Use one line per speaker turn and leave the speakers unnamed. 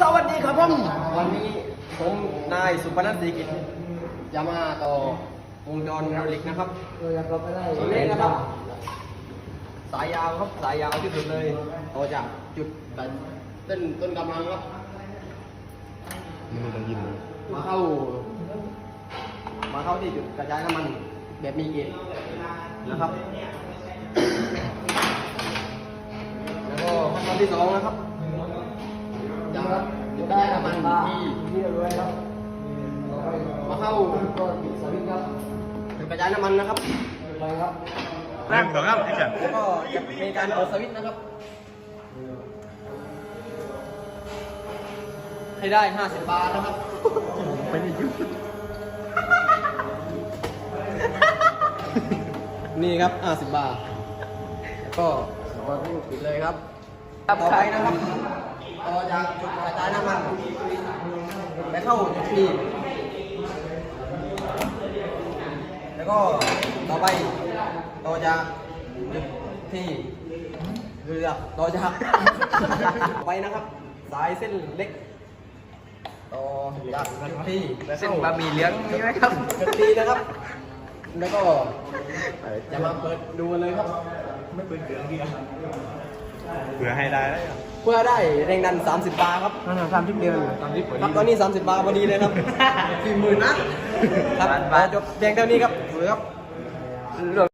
สวัสดีครับผมวันนี้ผมนายสุพนัสศรีกิจจะมาต่อวงจรไฮดรอลิกนะครับตัวนี้นะครับ สายยาวครับสายยาวที่สุดเลยต่อจากจุดต้นกำลังครับมาเข้าที่จุดกระจายน้ำมันแบบมีเกจนะครับ แล้วก็ขั้นตอนที่สองนะครับจะได้น้ำมันที่มาเข้าจุดกระจายน้ำมันนะครับ
แรก2 ครับแอคชั่น
แล้วก็จะมีการเปิดสวิตช์นะครับ ให้ได้50 บาทนะครับไม่ได้ยุนี่ครับ50 บาทแล้วก็ปิดเลยครับต่อไปนะครับต่อจากจุดกระจายน้ำมันไปเข้าจุดที่แล้วก็ต่อไปต่อจากจุดที่เรือต่อจากต่อไปนะครับ สายเส้นเล็กต่อจากจุดที่เส้นบะหมี่เหลืองมีไหมครับจุดที่นะครับ แล้วก็จะมาเปิดดูเลยครับไม่เปิดเดือนเดียว
เผื่อให้ได้แล้ว
เพื่อได้แรงดัน30 บาร์ครับ30 เดือนครับตอนนี้30 บาร์พอดีเลยครับ40,000 นะครับจบเพียงเท่านี้ครับสวัสดีครับ